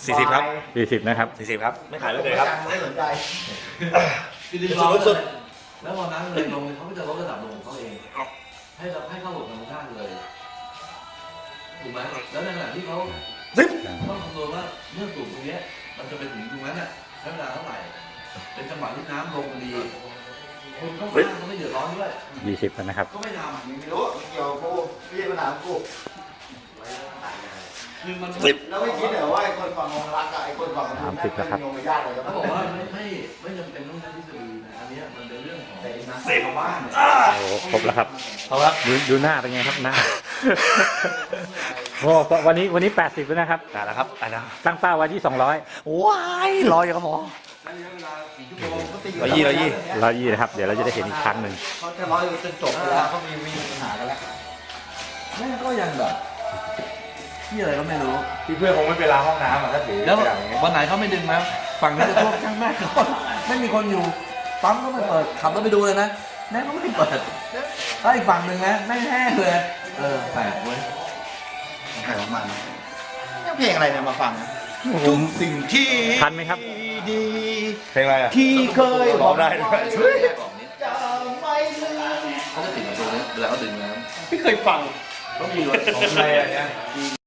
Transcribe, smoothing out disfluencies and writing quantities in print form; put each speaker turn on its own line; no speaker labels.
40ครับ
40นะครับ
40ครับไม่ขายเลยครับไม่สนใจ
คือดึงล้อสุดแล้วพอน้ำเลยลงเขาก็จะลดระดับลงของเขาเองให้เข้าหลบธรรมชาติเลยถูกไหมแล้วในขณะที่เขาต้องคำนวณว่าเมื่อสูบตรงนี้มันจะไปถึงตรงนั้นน่ะใช้เวลาเท่าไหร่เป็นจังหวะที่น้ำลงพอดีคนเข้าข้างก็ไม่เดือดร้อนด้วย
20นะครับ
ก็ไม่ทำ
ไม่รู้เกี่ยวกูไม่ใช่ปัญหากู
คือมัน
แล้วไม่คิดเหรอว่าไอ้คนฝั่งองรักกับไอ้คนฝั่งนู้นมันโยงไปยากเลย
เขาบอกว่าไม่จำเป็นต้องใช้ทฤษฎีนะอันนี้มันเป็นเรื่องของ
เสพของบ้าน
โอ้ครบแล้วครับ
เอาครับ
ดูหน้าเป็นไงครับหน้า โอ้วันนี้80แล้วนะครับ
ได้แล้วครับได้แล้ว
ตั้งเป้าไว้ที่200
ว้ายรออยู่ครับหมอ
ใช้เวลากี่ชั่วโมงก็ตี
120นะครับเดี๋ยวเราจะได้เห็นอีกครั้งหนึ่ง
เขาจะร้อยจนจบแล้วเขามีปัญหากันแล้ว
แม่ก็ยังแบบที่อะไรก็ไม่รู้
พี่เพื่อนคงไม่เป็นล้างห้องน้ำอ่ะถ้าถือ
แล้ววันไหนเขาไม่ดึงมาฝั่งนี้จะท่วมช่างแม่เขาไม่มีคนอยู่ปั๊มก็ไม่เปิดขับรถไปดูเลยนะแม่ก็ไม่เปิดถ้าอีกฝั่งหนึ่งนะแม่งแห้งเลยแปลกเว้ย
ใครของมันเพลงอะไรเนี่ยมาฟังทุกสิ่งที่
ทันไหมครับ
ดี
เพลงอะไรอ่ะ
ที่เคย
ร้องได้ด้วย
จะไม่ลืม
เขาจะติดอยู่ตรงนี้เวลาเขาดึงน้ำ
ไม่เคยฟัง
เขามีรถ
ของอะไรอ่ะเนี่ย